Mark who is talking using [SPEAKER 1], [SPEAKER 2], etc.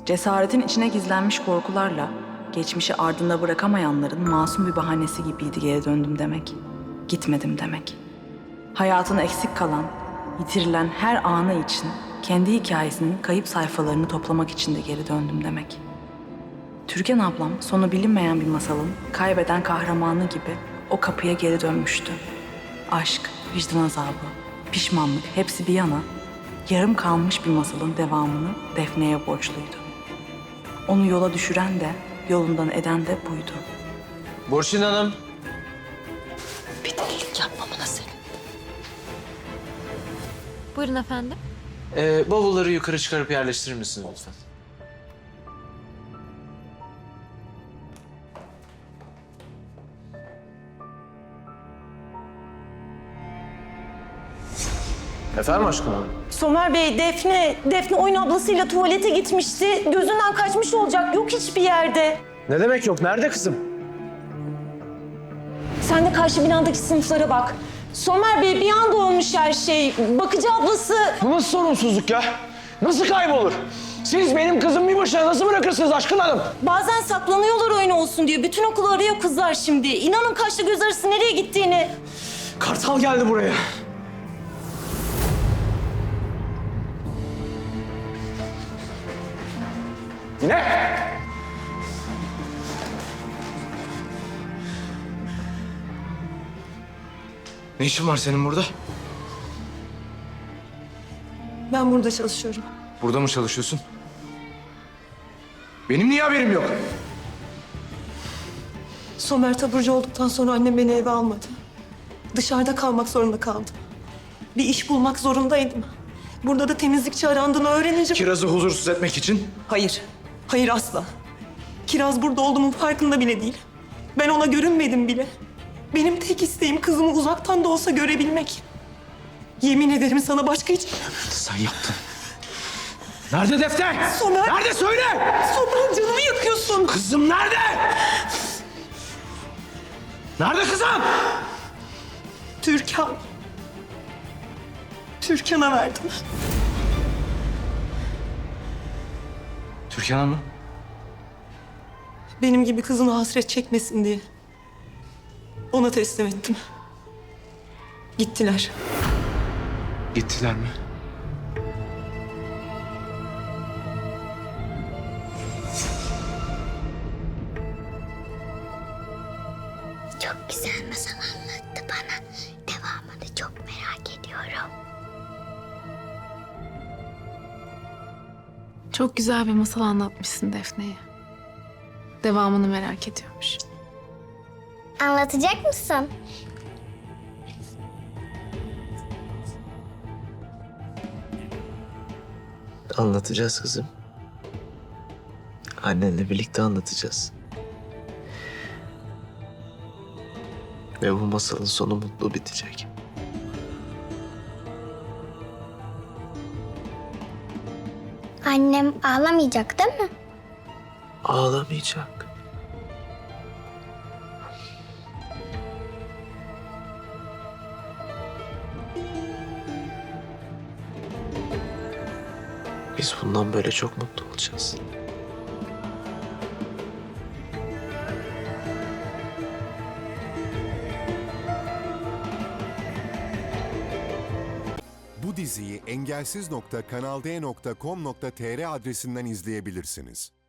[SPEAKER 1] Cesaretin içine gizlenmiş korkularla, geçmişi ardında bırakamayanların masum bir bahanesi gibiydi geri döndüm demek. Gitmedim demek. Hayatın eksik kalan, yitirilen her anı için kendi hikayesinin kayıp sayfalarını toplamak için de geri döndüm demek. Türkan ablam sonu bilinmeyen bir masalın kaybeden kahramanı gibi o kapıya geri dönmüştü. Aşk, vicdan azabı, pişmanlık hepsi bir yana, yarım kalmış bir masalın devamını Defne'ye borçluydu. Onu yola düşüren de, yolundan eden de buydu.
[SPEAKER 2] Burçin Hanım.
[SPEAKER 3] Bir delilik yapmamına senin.
[SPEAKER 4] Buyurun efendim.
[SPEAKER 2] Bavulları yukarı çıkarıp yerleştirir misiniz lütfen? Efendim aşkım hanım?
[SPEAKER 3] Somer Bey, Defne oyun ablasıyla tuvalete gitmişti. Gözünden kaçmış olacak. Yok hiçbir yerde.
[SPEAKER 2] Ne demek yok? Nerede kızım?
[SPEAKER 3] Sen de karşı binadaki sınıflara bak. Somer Bey, bir anda olmuş her şey. Bakıcı ablası...
[SPEAKER 5] Bu nasıl sorumsuzluk ya? Nasıl kaybolur? Siz benim kızım bir başına nasıl bırakırsınız Aşkın Hanım?
[SPEAKER 3] Bazen saklanıyorlar oyun olsun diyor. Bütün okulu arıyor kızlar şimdi. İnanın kaşla göz arası nereye gittiğini.
[SPEAKER 5] Kartal geldi buraya. Ne? Ne işin var senin burada?
[SPEAKER 3] Ben burada çalışıyorum.
[SPEAKER 5] Burada mı çalışıyorsun? Benim niye haberim yok?
[SPEAKER 6] Somer taburcu olduktan sonra annem beni eve almadı. Dışarıda kalmak zorunda kaldım. Bir iş bulmak zorundaydım. Burada da temizlikçi arandığını öğrenince...
[SPEAKER 5] Kiraz'ı huzursuz etmek için.
[SPEAKER 6] Hayır, hayır asla. Kiraz burada olduğumun farkında bile değil. Ben ona görünmedim bile. Benim tek isteğim kızımı uzaktan da olsa görebilmek. Yemin ederim sana başka hiç...
[SPEAKER 5] Sen yaptın. Nerede Defne?
[SPEAKER 6] Somer!
[SPEAKER 5] Nerede söyle?
[SPEAKER 6] Somer canımı yakıyorsun.
[SPEAKER 5] Kızım nerede? Nerede kızım?
[SPEAKER 6] Türkan. Türkan'a verdim.
[SPEAKER 5] Türkan Hanım.
[SPEAKER 6] Benim gibi kızını hasret çekmesin diye. Ona teslim ettim. Gittiler.
[SPEAKER 5] Gittiler mi?
[SPEAKER 7] Çok güzel masal anlattı bana. Devamını çok merak ediyorum.
[SPEAKER 4] Çok güzel bir masal anlatmışsın Defne'ye. Devamını merak ediyormuş.
[SPEAKER 7] Anlatacak mısın?
[SPEAKER 2] Anlatacağız kızım. Annenle birlikte anlatacağız. Ve bu masalın sonu mutlu bitecek.
[SPEAKER 7] Annem ağlamayacak değil mi?
[SPEAKER 2] Ağlamayacak. Biz bundan böyle çok mutlu olacağız.
[SPEAKER 8] Bu diziyi engelsiz.kanalde.com.tr adresinden izleyebilirsiniz.